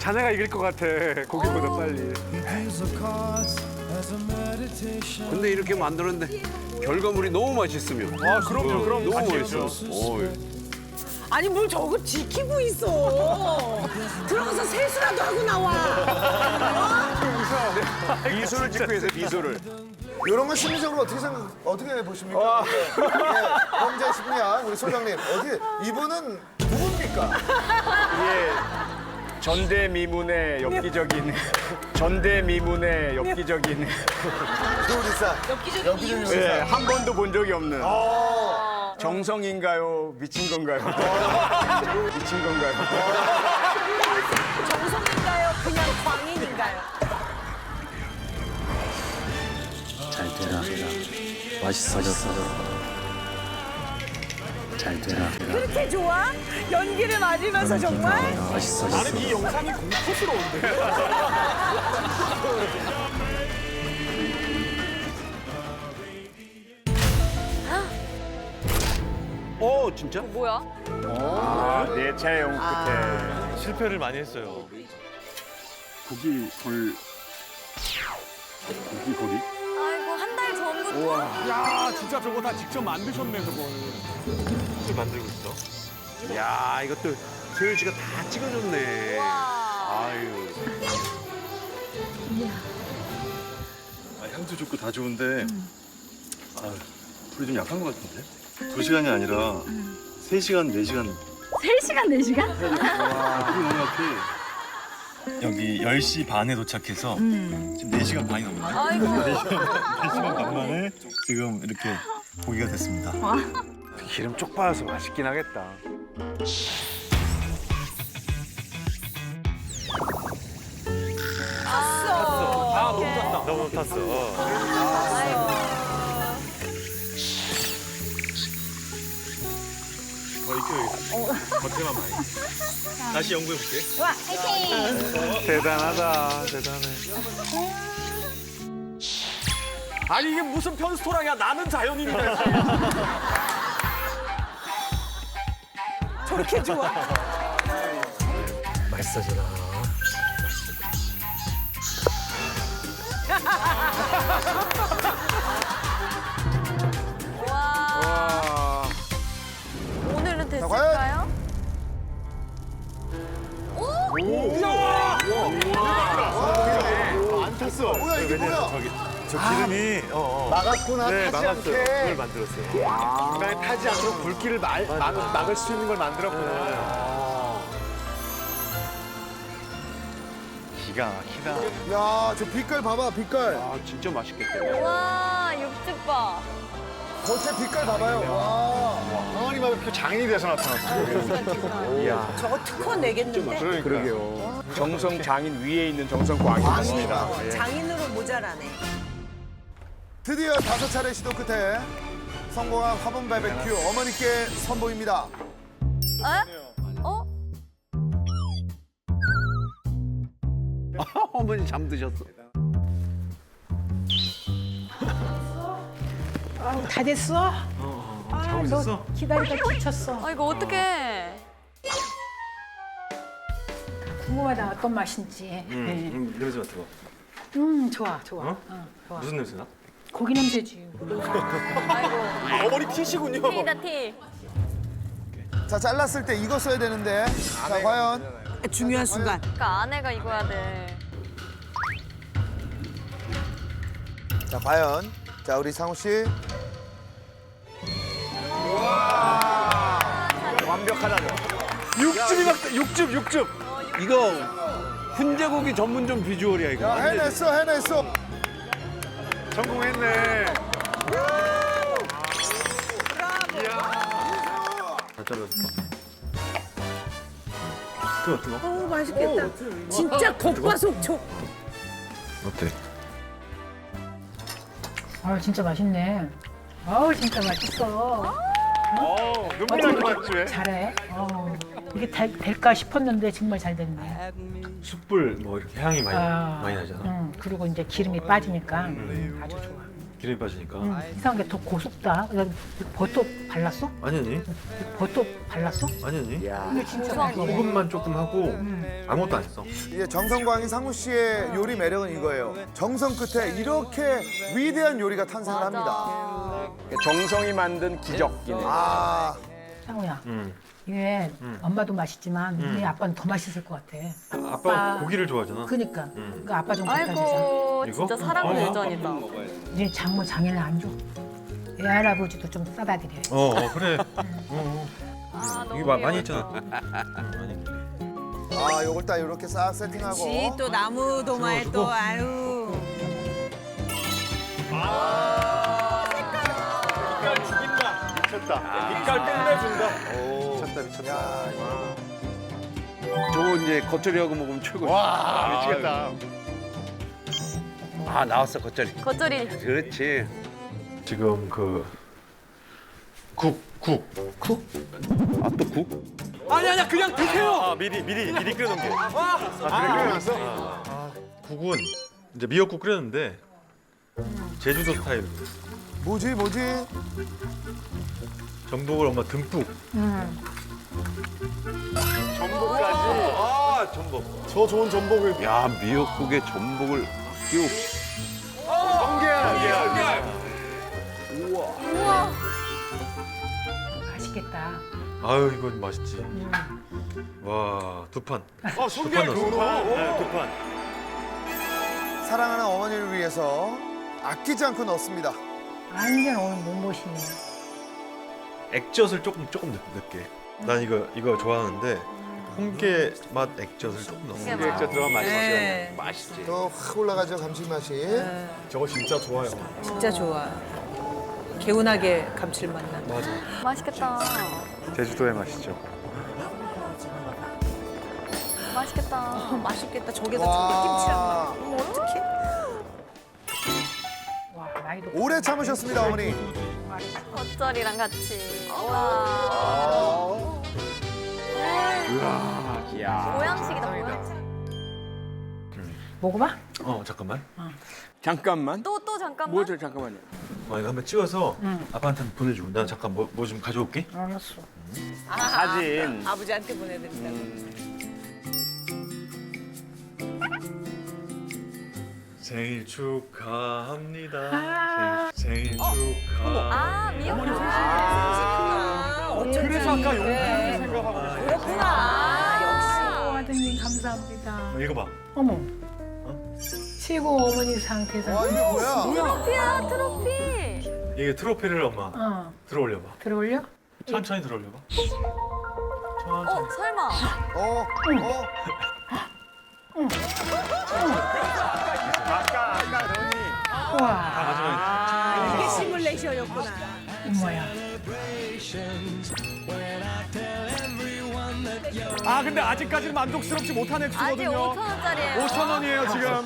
자네가 이길 것 같아. 고기보다 빨리. 근데 이렇게 만들었는데 결과물이 너무 맛있으면. 아 그럼요. 그럼 너무 맛있죠. 맛있어. 어이. 아니 뭘 저거 지키고 있어. 들어가서 세수라도 하고 나와. 비수를 찍고 있어요, 비수를. 이런 건 심리적으로 어떻게 보십니까? 범죄 심리학 우리 소장님 이분은 누굽니까? 전대미문의 엽기적인 전대미문의 엽기적인 조리사. 엽기적인 요리사. 예, 한 번도 본 적이 없는 정성인가요? 미친 건가요? 미친 건가요? 정성인가요? 그냥 광인인가요? 잘 되라. 맛있어졌어. 잘 되라. 그렇게 좋아? 연기를 맞으면서 정말? 맛있어졌어. 나는 이 영상이 공포스러운데. 진짜? 뭐야? 아, 내 차의 영 끝에 실패를 많이 했어요. 고기 골. 고기 골이? 아이고 한 달 전부터. 야 진짜 저거 다 직접 만드셨네 저걸. 직접 만들고 있어? 야, 이것도 세율 씨가 다 찍어줬네. 와. 아유. 향도 좋고 다 좋은데 불이 좀 약한 것 같은데? 2시간이 아니라 3시간, 4시간 3시간 4시간? 불이 너무 약해. 여기 10시 반에 도착해서 지금 4시간 반이 넘었네. 아이고. 4시간 반 만에 지금 이렇게 고기가 됐습니다. 기름 쪽 빠져서 맛있긴 하겠다. 탔어. 아 너무 탔다. 너무 탔어. 더 익혀야겠다. 겉에만 많이. 다시 연구해볼게. 좋아, 화이팅! 대단하다. 대단해. 아니 이게 무슨 편스토랑이야. 나는 자연인이다. 저렇게 좋아? 맛있어져라. 와. 오늘은 됐을까요? 안 탔어. 뭐야 이게 뭐야? 저 기름이 막았구나 네, 타지 막았어요. 않게. 그걸 만들었어요. 중간에 타지 않도록 불길을 막을 수 있는 걸 만들었구나. 기가 막히다. 야, 저 빛깔 봐봐 빛깔. 아, 진짜 맛있겠다. 와, 육즙 봐. 겉에 빛깔 봐봐요. 와. 항아리 바베큐 장인이 돼서 나타났어. 이야. 저거 특허 내겠는데? 그러게요. 정성 장인 위에 있는 정성 광이 맞습니다. 장인으로 모자라네. 드디어 5차례 시도 끝에 성공한 화분 바베큐 어머니께 선보입니다. 어? 어머니 잠드셨어. 다 됐어? 아, 너 기다리다 지쳤어. 아, 이거 어떡해. 궁금하다, 어떤 맛인지. 냄새 맡아봐. 좋아, 좋아. 어? 좋아. 무슨 냄새나? 고기 냄새지. 아이고. 어머니 티시군요. 티다, 티. 자, 잘랐을 때 이거 써야 되는데. 자, 과연 중요한 순간. 그러니까 아내가 입어야 돼. 자, 과연 자, 우리 상우 씨. 완벽하다. 육즙이 막 육즙. 이거 훈제고기 전문점 비주얼이야, 이거. 야, 해냈어. 성공했네. 오 맛있겠다. 진짜 겉바속촉. 어때? 아, 진짜 맛있네. 아우, 진짜 맛있어. 눈물이 나지 맞지 왜? 잘해. 이게 될까 싶었는데 정말 잘 됐네. 숯불 뭐 이렇게 향이 많이 나잖아. 그리고 이제 기름이 빠지니까 아주 좋아. 기름이 빠지니까. 이상한 게 더 고소다. 버터 발랐어? 아니 아니. 버터 발랐어? 아니 아니. 이게 진짜 맛있어. 소금만 조금 하고 아무것도 안 했어. 이제 정성광이 상무 씨의 요리 매력은 이거예요. 정성 끝에 이렇게 위대한 요리가 탄생을 합니다. 정성이 만든 기적이네. 아, 상우야. 이게 엄마도 맛있지만 우리 아빠는 더 맛있을 것 같아. 아빠 고기를 좋아하잖아. 그러니까. 그러니까 아빠 좀 갖다 주자. 아이고 이거? 진짜 사랑은 유전이다. 이제 장모 장인을 안 줘. 외할아버지도 좀 싸다 드려요. 그래. 아, 너무 이게 많이 귀여워. 했잖아. 많이. 아, 요걸 딱 이렇게 싹 세팅하고. 그렇지 또 나무 도마에 또 아유. 빛깔 죽인다. 미쳤다. 빛깔 끝내준다. 미쳤다, 미쳤다. 저거 이제 겉절이하고 먹으면 최고야. 와, 미치겠다. 아 나왔어 겉절이. 겉절이 그렇지. 지금 그 국. 아 또 국? 미리 끓여놓은 게. 그래 끓여놨어? 국은 이제 미역국 끓였는데 제주도 스타일. 뭐지? 전복을 엄마 듬뿍. 전복까지. 아 전복. 저 좋은 전복을. 야 미역국에 전복을 끼우. 맛있겠다. 아유 이건 맛있지. 와 2판. 성게 넣었어. 두 판. 사랑하는 어머니를 위해서 아끼지 않고 넣습니다. 완전 오늘 몸보신이야. 액젓을 조금 넣게. 난 이거 좋아하는데 홍게 맛 액젓을 조금 넣어. 홍게 액젓 들어가면 맛있어. 네. 맛있지. 더 확 올라가죠, 감칠맛이. 저거 진짜 좋아요. 진짜 좋아. 개운하게 감칠맛 나. 맛있겠다. 제주도의 맛이죠. 맛있겠다. 맛있겠다. 저게다 청국김치랑 막. 어머 어떡해. 와, 나이도 오래 참으셨습니다, 어머니. 겉절이랑 같이. 와. 야. 보양식이다 보양식. 먹어봐. 잠깐만. 잠깐만. 또 잠깐만. 뭐죠? 잠깐만요. 이거 한번 찍어서 아빠한테 한번 보내줘. 난 잠깐 뭐 좀 가져올게. 알았어. 사진. 아버지한테 보내드린다고. 생일 축하합니다. 생일 축하. 아 미역국. 그래서 아까 용기를 생각하고 계셨어요. 그렇구나. 아드님 감사합니다. 읽어봐. 어머. 최고 어머니 상태에서. 와, 이게 뭐야? 트로피야 트로피. 이게 트로피를 엄마 들어올려봐. 들어올려? 천천히 들어올려봐. 설마. 아까 너니. 우와. 이게 시뮬레이션이었구나. 엄마야. 아 근데 아직까지는 만족스럽지 못한 아직 액수거든요. 5,000원짜리예요. 5,000원이에요 지금.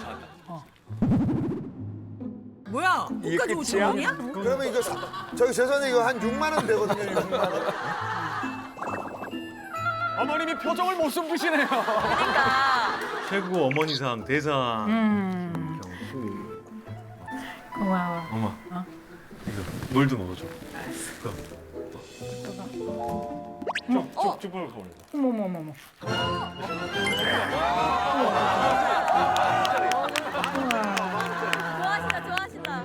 뭐야? 이게 끝까지 끝이야? 5,000원이야? 그러면 이거, 저기 죄송한데 이거 한 6만 원 되거든요, 6만 원. 어머님이 표정을 못 숨기시네요. 그러니까. 최고 어머니상 대상. 고마워. 엄마. 이거 물도 먹어줘. 쭉쭉 벌어서 올려. 어머머머머. 좋아하신다 좋아하신다.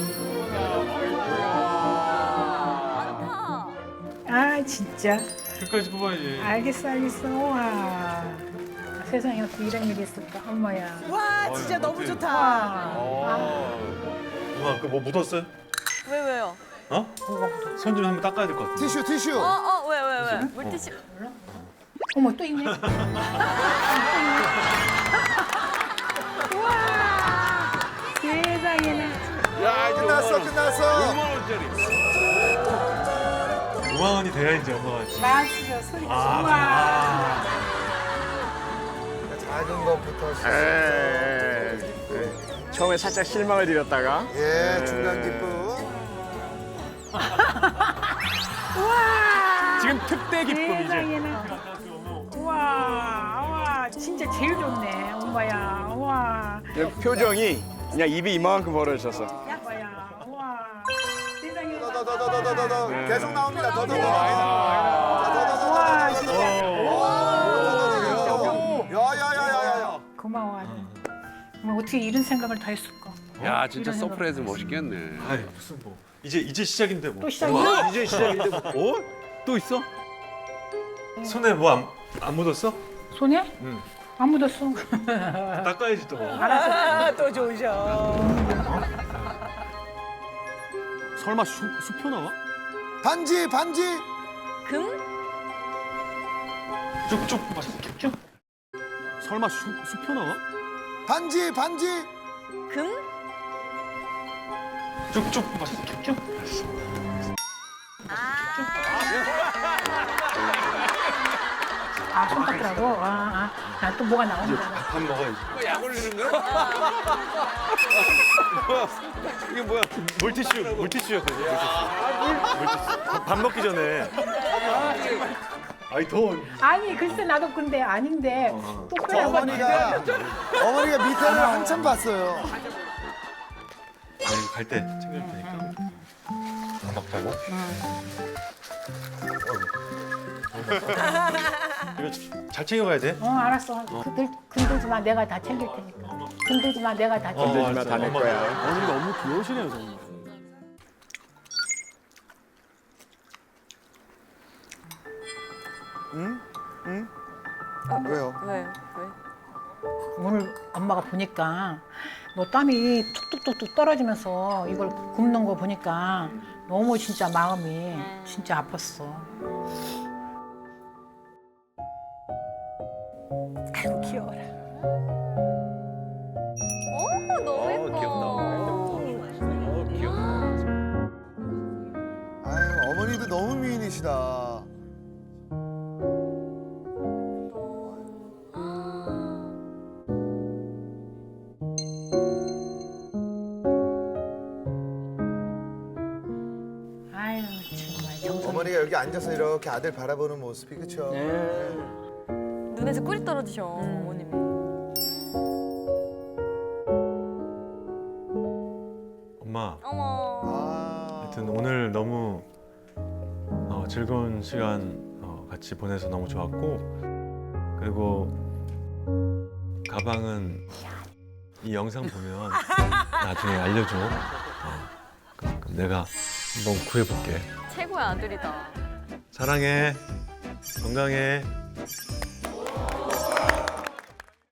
많다. 아 진짜. 끝까지 뽑아야지. 알겠어. 와. 세상에 어떻게 이런 일이 있을까. 엄마야. 와 진짜 너무 좋다. 와. 엄마 그 뭐 묻었어요? 왜요? 어? 손 좀 한번 닦아야 될 것 같아. 티슈. 왜? 물티슈. 어머 또 있네. 우와. 세상에나. 야, 끝났어. 5만 원짜리. 5만 원이 돼야지 엄마가. 맛있어 소리. 우와. 작은 것부터 시작. 처음에 살짝 실망을 드렸다가. 예, 중간 기쁨. 지금 특대 기쁨이지. 세상에나. 우와. 진짜 제일 좋네. 엄마야. 우와. 표정이 그냥 입이 이만큼 벌어졌어. 엄마야. 우와. 더. 계속 나옵니다. 더. 야야야야야. 고마워. 뭐 어떻게 이런 생각을 다 했을까? 야 진짜 이런 생각 서프라이즈 다 했어. 멋있겠네. 아이 무슨 뭐 이제 시작인데 뭐. 또 시작이야? 이제 시작인데 뭐. 어? 또 있어? 손에 뭐 안 묻었어? 손에? 응. 안 묻었어. 닦아야지 또. 또 좋으셔. 설마 수표 나와? 반지. 금? 쭉쭉. 설마 수표 나와? 반지. 금? 쭉쭉. 아, 손 닦으라고? 난 또 뭐가 나오는 줄 알았어. 밥 먹어야지. 이거 약 올리는 거야? 이게 뭐야? 물티슈였거든. 물티슈. 밥 먹기 전에. 아이 더워. 아니, 글쎄 나도 근데 아닌데 또 빼라고. 어머니가 밑에를 한참 봤어요. 아니 갈 때 챙길 테니까. 밥 먹자고. 이거 잘 챙겨가야 돼. 알았어. 건들지 마. 내가 다 챙길 테니까. 건들지 마. 내가 다 챙길 테니까. 다 내 거야. 어머니 너무 귀여우시네요, 정말. 왜요? 왜? 오늘 엄마가 보니까 뭐 땀이 툭툭툭툭 떨어지면서 이걸 굽는 거 보니까 너무 진짜 마음이 진짜 아팠어. 아이고 귀여워라. 너무 예뻐. 아유, 어머니도 너무 미인이시다. 아유 정말 정성. 어머니가 여기 앉아서 이렇게 아들 바라보는 모습이 그쵸? 눈에서 꿀이 떨어지셔, 어머님이. 엄마. 어머. 아. 하여튼 오늘 너무 즐거운 시간 같이 보내서 너무 좋았고 그리고 가방은 이 영상 보면 나중에 알려줘. 그럼 내가 한번 구해볼게. 최고의 아들이다. 사랑해. 건강해.